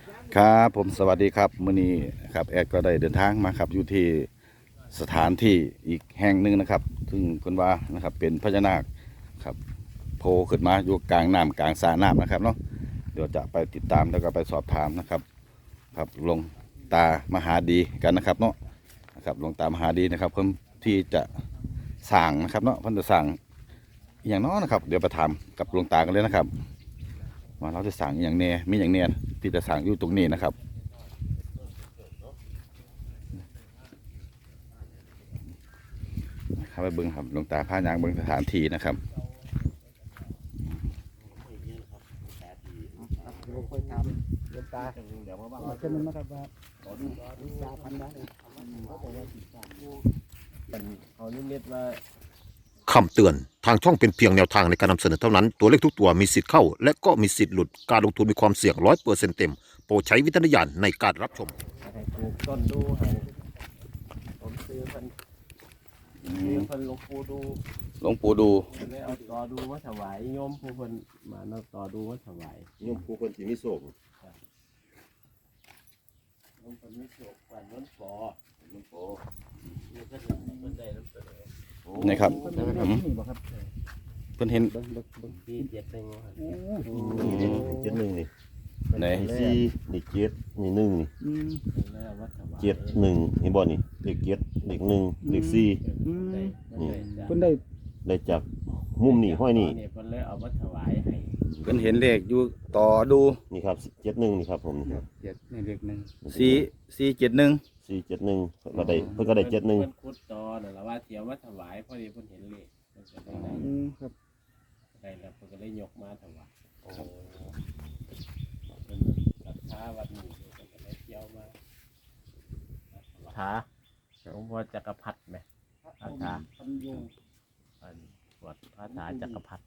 ครับผมสวัสดีครับมื้อนี้ครับแอดก็ได้เดินทางมาครับอยู่ที่สถานที่อีกแห่งหนึ่งนะครับซึ่งเพิ่นว่านะครับเป็นพญานาคครับโผล่ขึ้นมาอยู่กลางน้ำกลางสระน้ำนะครับเนาะเดี๋ยวจะไปติดตามแล้วก็ไปสอบถามนะครับครับหลวงตามหาดีกันนะครับเนาะนะครับหลวงตามหาดีนะครับเพิ่นที่จะสร้างนะครับเนาะเพิ่นจะสร้างอหย่างเน้อนะครับเดี๋ยวไปถามกับหลวงตากันเลยนะครับว่าเราจะสั่งอหย่างแน่มีอย่างแน่ที่จะสั่งอยู่ตรงนี้นะครับไปเบิ้งครับหลวงตาพายางเบิ้งสถานที่นะครับค่อยทำเดินตาเดี๋ยวมาบ้างเช่นนั้นนะครับว่าขอดูตาพันนะเขาบอกว่าเป็นเขานิมิตว่าคำเตือนทางช่องเป็นเพียงแนวทางในการนำเสนอเท่านั้นตัวเลขทุกตัวมีสิทธิ์เข้าและก็มีสิทธิ์หลุดการลงทุนมีความเสี่ยง100%เต็มโปรดใช้วิจารณญาณในการรับชมให้ปลูกต้นดูให้ผมซื้อเพิ่นหลวงปู่ดูหลวงปู่ดูเลยเอาต่อดูมาถวายโยมผู้เพิ่นมาเอาต่อดูมาถวายโยมผู้คนที่มีโศกโยมเพิ่นมีโศกวันนั้นปอมันปอนี่ก็เพิ่นได้น้ำเสนอนี่ครับเพิ่นเห็นที่เจ็ดหนึ่งเจ็ดหนึ่งนี่ไหนสี่นี่เจ็ดนี่หนึ่งนี่เจ็ดหนึ่งเห็นบ่นี่เลขเจ็ดเลขหนึ่งเลขสี่นี่เพิ่นได้ได้จากมุมนี่ห้อยนี่เพิ่นเลยเอามาถวายให้เพิ่นเห็นเลขอยู่ต่อดูนี่ครับเจ็ดหนึ่งนี่ครับผมเจ็ดในเลขหนึ่ง 471 471ก็ได้เพิ่นก็ได้71 เพิ่นขุดต่อนั่นล่ะว่าเสียมาถวายพอดีเพิ่นเห็นเลขเพิ่นก็ได้ครับได้แล้วเพิ่นก็เลยยกมาถวายเพิ่นศรัทธาวัดนี้เพิ่นก็เลยเที่ยวมาถาหลวงพ่อจักรพรรดิแม่พระถาวัดพระถาจักรพรรดิ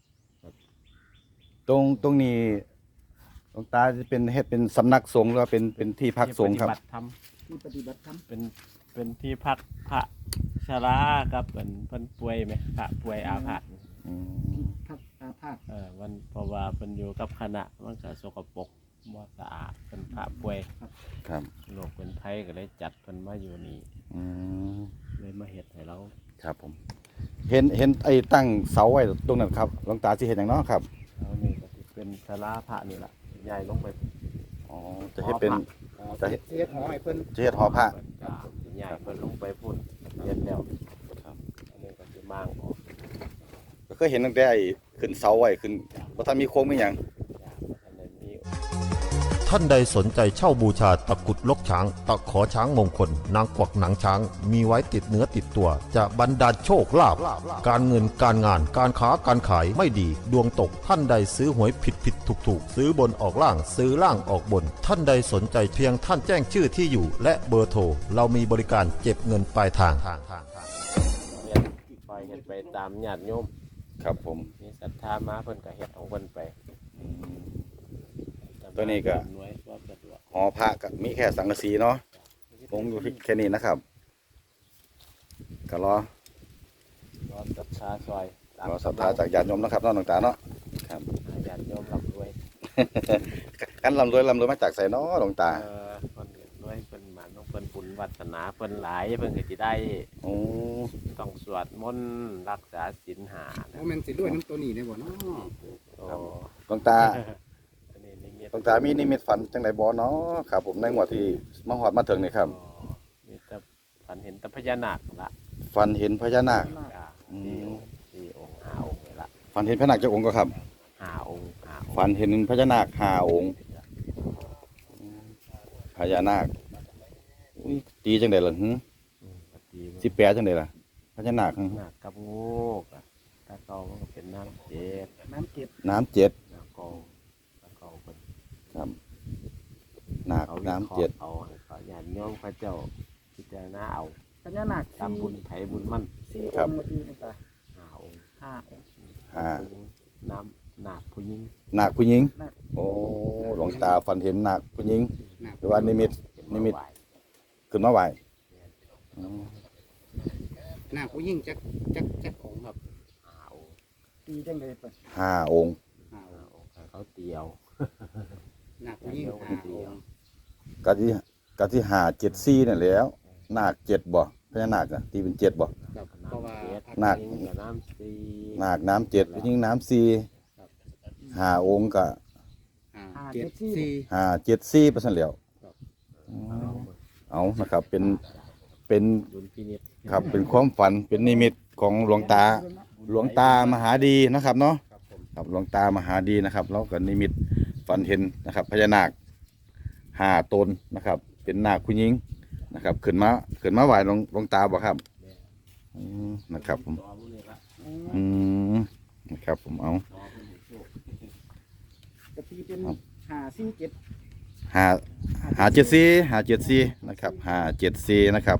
ตรงนี้หลวงตาจะเป็นเฮ็ดเป็นสำนักสงฆ์หรือว่าเป็นที่พักสงฆ์ครับที่ปฏิบัติธรรมเป็นที่พักพระชราครับเพิ่นป่วยไหมพระป่วยอาพาธพักอาพาธมันเพราะว่าเพิ่นอยู่กับคณะมันก็สกปรกบ่สะอาดเป็นพระป่วยครับโรคเป็นไข้ก็เลยจัดเพิ่นมาอยู่นี่เลยมาเฮ็ดให้เราครับผมเห็นไอ้ตั้งเสาไว้ตรงนั้นครับหลวงตาสิเฮ็ดหยังเนาะครับเอานี่ก็สิเป็นศาลาพระนี่ล่ะใหญ่ลงไปอ๋อจะเฮ็ดเป็นจะเฮ็ดหอให้เพิ่นจะเฮ็ดหอพระใหญ่เพิ่นลงไปพุ่นเฮ็ดแล้วครับอันนี้ก็สิมางออกก็เคยเห็นตั้งแต่ไอ้ขึ้นเสาไว้ขึ้นบ่ทันมีโครงมีหยังท่านใดสนใจเช่าบูชาตะกุดลกช้างตะขอช้างมงคลนางกวักหนังช้างมีไว้ติดเนื้อติดตัวจะบรรดาลโชคลาภการเงินการงานการค้าการขายไม่ดีดวงตกท่านใดซื้อหวยผิดถูกซื้อบนออกล่างซื้อล่างออกบนท่านใดสนใจเพียงท่านแจ้งชื่อที่อยู่และเบอร์โทรเรามีบริการเก็บเงินปลายทางปล่อยกันไปตามญาติโยมครับผมมีศรัทธามาเพิ่นก็เฮ็ดของเพิ่นไปตัวนี้ก็หอพระก็มีแค่สังกะสีเนาะผมอยู่แค่นี้นะครับก็รอศรัทธาซอยรอศรัทธาจากญาติโยมนะครับเนาะหลวงตาเนาะครับญาติโยมร่ำรวยกันร่ำรวยมาจากไสเนาะหลวงตาเพิ่นรวยเพิ่นหมานเพิ่นบุญวาสนาเพิ่นหลายเพิ่นก็สิได้ต้องสวดมนต์รักษาศีล5 โอ้แม่นสิด้วยน้ำตัวนี้ได้บ่เนาะหลวงตามีนิมิตฝันจังไดบ่เนาะครับผมในงวดที่มาฮอดมาถึงนี่ครับมีแต่ฝันเห็นแต่พญานาคละฝันเห็นพญานาค 4 องค์5 องค์ละฝันเห็นพญานาคจักองค์ก็ครับ 5 องค์ฝันเห็นพญานาค5 องค์พญานาคตีจังได๋ล่ะสิแปลจังได๋ล่ะพญานาคกับงูตะเกามันก็เป็นน้ำเจ็ดครับนาคน้ำเจ็ดเอาญาติโยมพระเจ้าพิจารณาเอาพญานาคตามบุญไถบุญมั่นครับ 5 องค์น้ำนาคผู้หญิงโอ้หลวงตาฝันเห็นนาคผู้หญิงหรือว่านิมิตขึ้นมาไหวนาคผู้หญิงจักองครับ 5 องค์ตีจังได๋เพิ่น 5 องค์เขาเตียวนาคผู้ยิ่งเดี๋ยวหาเดีอยวงค์กะที่กะที่หา74นั่นแหล้วนาค7บ่พญานาคอะตีเป็น7บ่ครับเพราะว่านาคยิงกับน้ำซีนาคน้ำ7ผู้หญิงน้ำ4 5องค์ก็ 574 574เปอร์เซ็นต์แล้วครับเอานะครับเป็นดุลพินิจครับเป็นความฝันเป็นนิมิตของหลวงตามหาดีนะครับเนาะครับผมครับหลวงตามหาดีนะครับแล้วก็นิมิตฝันเห็นนะครับพญานาค5ตนนะครับ เป็นนาคผู้หญิงนะครับขึ้นมาไหว้หลวงตาบ่ครับนะครับผมต่อมื้อนี้ละอืมนะครับผมเอาต่อมื้อนี้โชคกะทีเป็น547 574นะครับ574นะครับ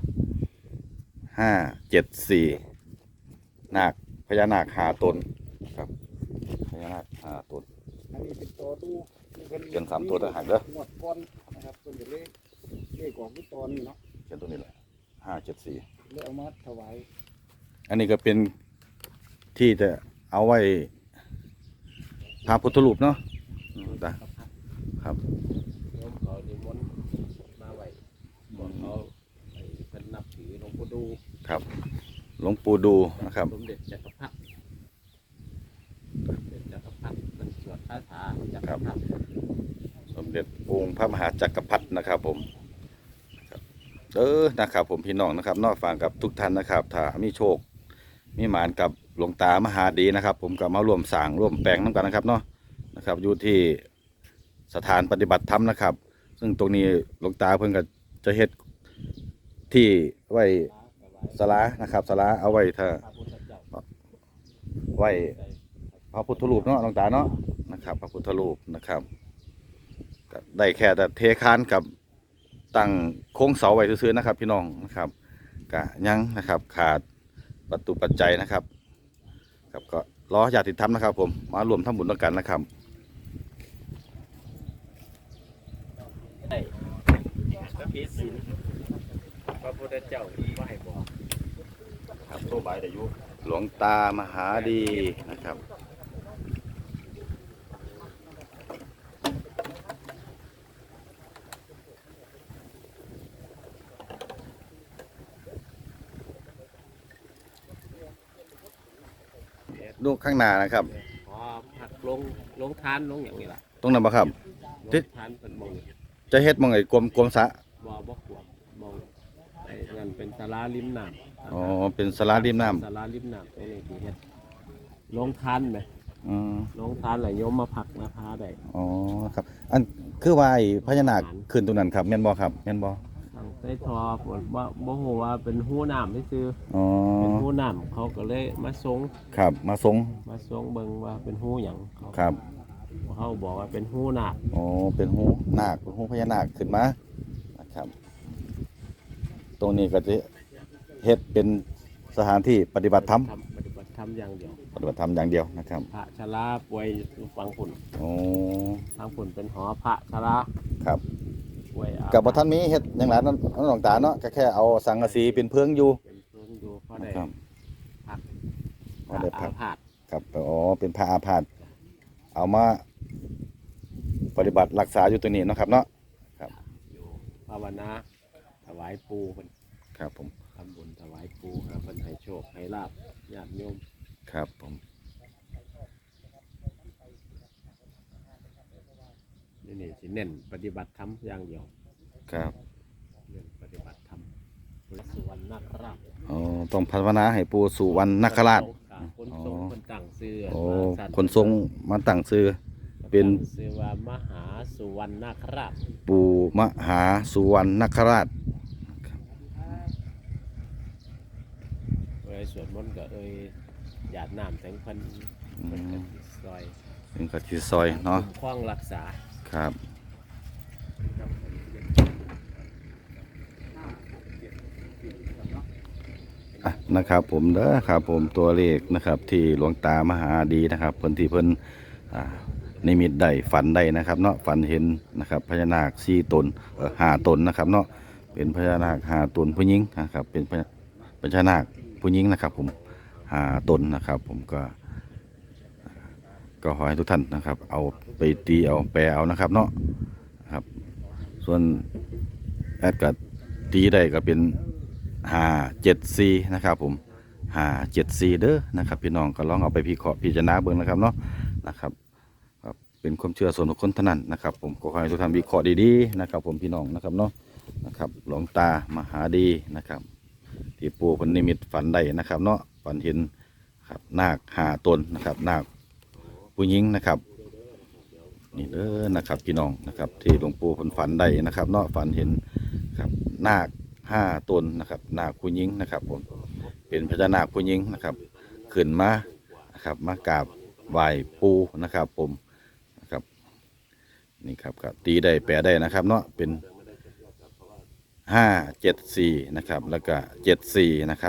574นาคพญานาค5ตนครับพญานาค5ตนอันนี้เป็นตัวตู้ที่เพิ่นเขียน3ตัวต่างหากเด้องวดก่อนนะครับเพิ่นก็เลขออกที่ตอนนี้เนาะเขียนตัวนี้แหละ574 เลยเอามาถวายอันนี้ก็เป็นที่จะเอาไว้พระพุทธรูปเนาะตาครับโยมเขานิมนต์มาไว้บอกเขาให้เพิ่นนับถือหลวงปู่ดูครับหลวงปู่ดูนะครับสมเด็จจักรพรรดิสมเด็จจักรพรรดิเป็นสวดคาถาจักรพรรดิสมเด็จองค์พระมหาจักรพรรดินะครับผมครับนะครับผมพี่น้องนะครับนอกฟังกับทุกท่านนะครับ ถ้ามีโชคมีหมานกับหลวงตามหาดีนะครับ ผมก็มาร่วมสร้างร่วมแปลงน้ำกันนะครับเนาะนะครับอยู่ที่สถานปฏิบัติธรรมนะครับ ซึ่งตรงนี้หลวงตาเพิ่นก็จะเฮ็ดที่ไว้ศาลานะครับศาลาเอาไว้ถ้าพระพุทธเจ้าไว้พระพุทธรูปเนาะหลวงตาเนาะนะครับ พระพุทธรูปนะครับก็ได้แค่แต่เทคานกับตั้งโค้งเสาไว้ซื่อๆนะครับ พี่น้องนะครับก็ยังนะครับขาดวัตถุปัจจัยนะครับครับก็รอญาติธรรมนะครับ ผมมารวมทำบุญด้วยกันนะครับได้พระพิสินพระพุทธเจ้าไหว้บอกครับโตบายอายุหลวงตามหาดีนะครับลูกข้างหน้านะครับพอผักลงทานลงอย่างนี้ล่ะตรงนั้นบ่ครับลงทานเป็นมงจะเฮ็ดหมองไอ้กลมสระบ่ขวบมองไอ้นั่นเป็นศาลาริมน้ำอ๋อเป็นศาลาริมน้ำศาลาริมน้ำตรงนี้ที่เฮ็ดลงทานไหมอืมลงทานไหลโยมมาผักมาพาได้อ๋อครับ อันคือว่าไอ้พญานาคขึ้นตรงนั้นครับแม่นบ่ครับแม่นบ่ทางใต้ทอฝนว่าบ่ฮู้ว่าเป็นหู้น้ำที่ซื้ออ๋อเป็นหู้น้ำเขาก็เลยมาทรงครับมาทรงเบิ่งว่าเป็นหู้หยังเขาครับเขาบอกว่าเป็นหู้นาคอ๋อเป็นหูนาคเป็นหูพญานาคขึ้นมานะครับ ตรงนี้ก็จะเฮ็ดเป็นสถานที่ปฏิบัติธรรมปฏิบัติธรรมอย่างเดียวปฏิบัติธรรมอย่างเดียวนะครับพระชราป่วยอยู่ฝั่งฝุ่นโอ้ฝั่งฝุ่นเป็นหอพระชราครับป่วยอากับบ่ทันมีเฮ็ดหยังหลายนั่นหลวงตาเนาะก็แค่เอาสังกะสีเป็นเพิงอยู่เป็นเพิ่งอยู่เขาได้นะครับพักก็ได้พักอาพาธครับอ๋อเป็นพระอาพาธเอามาปฏิบัติรักษาอยู่ตัวนี้เนาะครับเนาะอยู่ภาวนาถวายปูเพิ่นครับผมทำบุญถวายปูครับเพิ่นให้โชคให้ลาบญาติโยมครับผมนี่สิเน้นปฏิบัติธรรมอย่างเดียวครับเน้นปฏิบัติธรรมพระสุวรรณนาคราชอ๋อต้องภาวนาให้ปู่สุวรรณนาคราชคนทรงคนตั้งชื่อโอ้ว่าสัตว์คนทรงมาตั้งชื่อ เป็นตั้งชื่อว่ามหาสุวรรณนาคราชปู่มหาสุวรรณนาคราชเอ้ยสวดมนต์ก็เอ้ยหยาดน้ำแสงพันเป็นกติซอยเป็นกะทิซอยเนาะคล้องรักษาครับอ่ะนะครับผมเด้อครับผมตัวเลขนะครับที่หลวงตามหาดีนะครับเพิ่นที่เพิ่นอ่านิมิตได้ฝันได้นะครับเนาะฝันเห็นนะครับพญานาค4ตน5ตนนะครับเนาะเป็นพญานาค5ตนผู้หญิงนะครับเป็นพญานาคผู้หญิงนะครับ ผม5ตนนะครับ ผมก็ขอให้ทุกท่านนะครับ เอาไปตีเอาแปลเอานะครับเนาะส่วนแอดก็ตีได้ก็เป็น574นะครับผม574เด้อนะครับพี่น้องก็ลองเอาไปพิจารณาเบิ่งนะครับเนาะนะครับครับเป็นความเชื่อส่วนบุคคลเท่านั้นนะครับผมก็ขอให้ทุกท่านวิเคราะห์ดีๆนะครับผมพี่น้องนะครับเนาะนะครับหลวงตามหาดีนะครับที่ปู่เพิ่นนิมิตฝันได้นะครับเนาะฝันเห็นครับนาค5ตนนะครับนาคผู้หญิงนะครับนี่เด้อนะครับพี่น้องนะครับที่หลวงปู่เพิ่นฝันได้นะครับเนาะฝันเห็นครับนาค5ตนนะครับนาคผู้หญิงนะครับผมเป็นพญานาคผู้หญิงนะครับขึ้นมานะครับมากราบไหว้ปู่นะครับผมนะครับนี่ครับก็ตีได้แปลได้นะครับเนาะเป็น574นะครับแล้วก็74นะครับ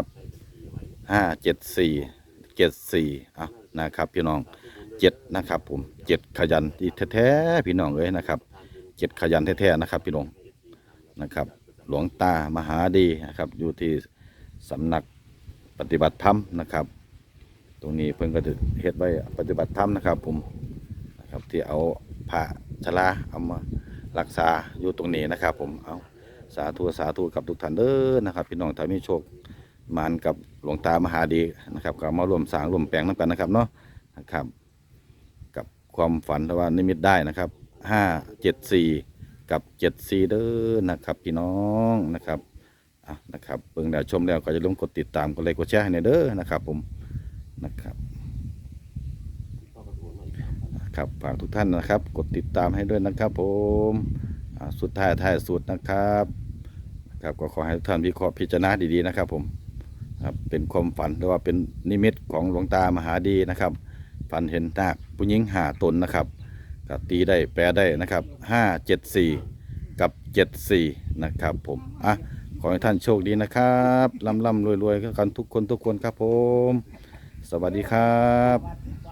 57474นะครับพี่น้อง7นะครับผม7ขยันที่แท้ๆพี่น้องเอ้ยนะครับ7ขยันแท้ๆนะครับพี่น้องนะครับหลวงตามหาดีนะครับอยู่ที่สำนักปฏิบัติธรรมนะครับตรงนี้เพิ่นก็จะเฮ็ดไว้ปฏิบัติธรรมนะครับผมนะครับที่เอาผ้าชราเอามารักษาอยู่ตรงนี้นะครับผมเอาสาธุกับทุกท่านเด้อนะครับพี่น้องถ้ามีโชคมานกับหลวงตามหาดีนะครับก็มาร่วมสร้างร่วมแปลงนำกันนะครับเนาะนะครับกับความฝันว่านิมิตได้นะครับ574กับ74เด้อนะครับพี่น้องนะครับนะครับเบิ่งแล้วชมแล้วก็จะลงกดติดตามกดไลค์กดแชร์ให้เด้อนะครับผมนะครับครับฝากทุกท่านนะครับกดติดตามให้ด้วยนะครับผมสุดท้ายสุดนะครับครับก็ขอให้ทุกท่านวิเคราะห์พิจารณาดีๆนะครับผมครับเป็นความฝันหรือว่าเป็นนิมิตของหลวงตามหาดีนะครับฝันเห็นนาคผู้หญิง5ตนนะครับก็ตีได้แปลได้นะครับ574กับ74นะครับผมขอให้ท่านโชคดีนะครับร่ำรวยๆกันทุกคนครับผมสวัสดีครับ